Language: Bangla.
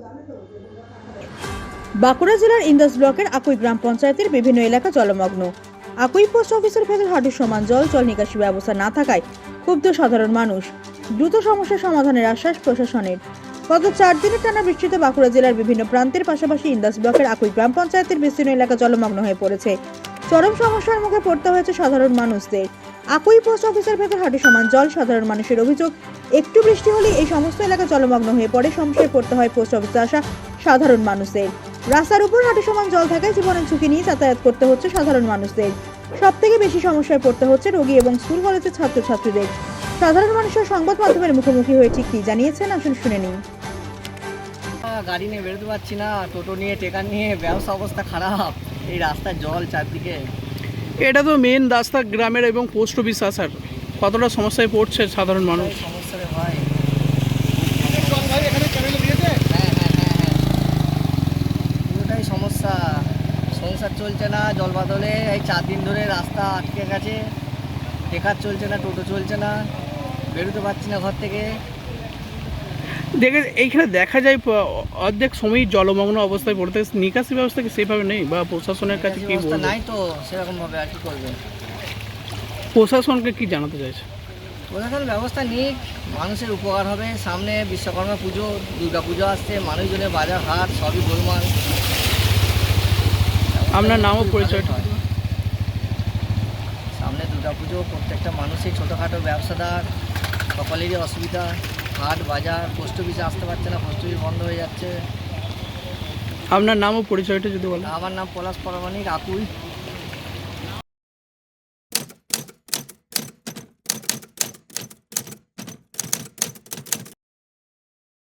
বাঁকুড়া জেলার ইন্দাস ব্লকের আকুই গ্রাম পঞ্চায়েতের বিভিন্ন এলাকা জলমগ্ন। আকুই পোস্ট অফিসের ভেতর হাঁটু সমান জল নিকাশি ব্যবস্থা না থাকায় ক্ষুব্ধ সাধারণ মানুষ। দ্রুত সমস্যার সমাধানের আশ্বাস প্রশাসনের। গত 4 দিনের টানা বৃষ্টিতে বাঁকুড়া জেলার বিভিন্ন প্রান্তের পাশাপাশি ইন্দাস ব্লকের আকুই গ্রাম পঞ্চায়েতের বিস্তীর্ণ এলাকা জলমগ্ন হয়ে পড়েছে। চরম সমস্যার মুখে পড়তে হয়েছে সাধারণ মানুষদের। আকুই পোস্ট অফিসের ভেতর হাঁটু সমান জল। সাধারণ মানুষের অভিযোগ, একটু বৃষ্টি হলেই এই সমস্ত এলাকা জলমগ্ন হয়ে পড়ে। সমস্যায় পড়তে হয় পোস্ট অফিসে আসা সাধারণ মানুষদের। রাস্তার উপর হাঁটু সমান জল থাকায় জীবনের ঝুঁকি নিয়ে যাতায়াত করতে হচ্ছে সাধারণ মানুষদের। সব থেকে বেশি সমস্যায় পড়তে হচ্ছে রোগী এবং স্কুল কলেজের ছাত্রছাত্রীদের। সাধারণ মানুষের সংবাদ মাধ্যমের মুখোমুখি হয়ে ঠিক কি জানিয়েছেন, আসুন শুনে নিন। গাড়ি নিয়ে বেরোতে পারছি না, টোটো নিয়ে, টেকার নিয়ে, ব্যবসা অবস্থা খারাপ। এই রাস্তায় জল চারদিকে। এটা তো মেন রাস্তা গ্রামের এবং পোস্ট অফিস আসার, কতটা সমস্যায় পড়ছে সাধারণ মানুষ। সমস্যা রে ভাই। পুরোটাই সমস্যা। সংসার চলছে না জল বাদলে। এই 4 দিন ধরে রাস্তা আটকে গেছে। টেকার চলছে না, টোটো চলছে না, বেরোতে পারছি না ঘর থেকে। এইখানে দেখা যায় অর্ধেক সময়ই জলমগ্ন অবস্থায় পড়তে। নিকাশি ব্যবস্থা কি সেভাবে নেই বা প্রশাসনের কাছে কি বলবো? নাই তো সেরকম ভাবে, আর কি করবে? প্রশাসনকে কি জানাতে চাইছে? প্রশাসন ব্যবস্থা নিক, মানুষের উপকার হবে। সামনে বিশ্বকর্মা পুজো, দুর্গা পুজো আসছে, মানুষজনের বাজার হাট সবই গোলমাল। আপনার নাম ও পরিচয়টা? সামনে দুর্গা পুজো, প্রত্যেকটা মানুষই ছোটোখাটো ব্যবসাদার সকলেরই অসুবিধা। হাট বাজার, পোস্ট অফিসে আসতে পারছে না, পোস্ট অফিস বন্ধ হয়ে যাচ্ছে। আপনার নাম ও পরিচয়টা যদি বলেন। আমার নাম পলাশ পরামানিক, আকুই।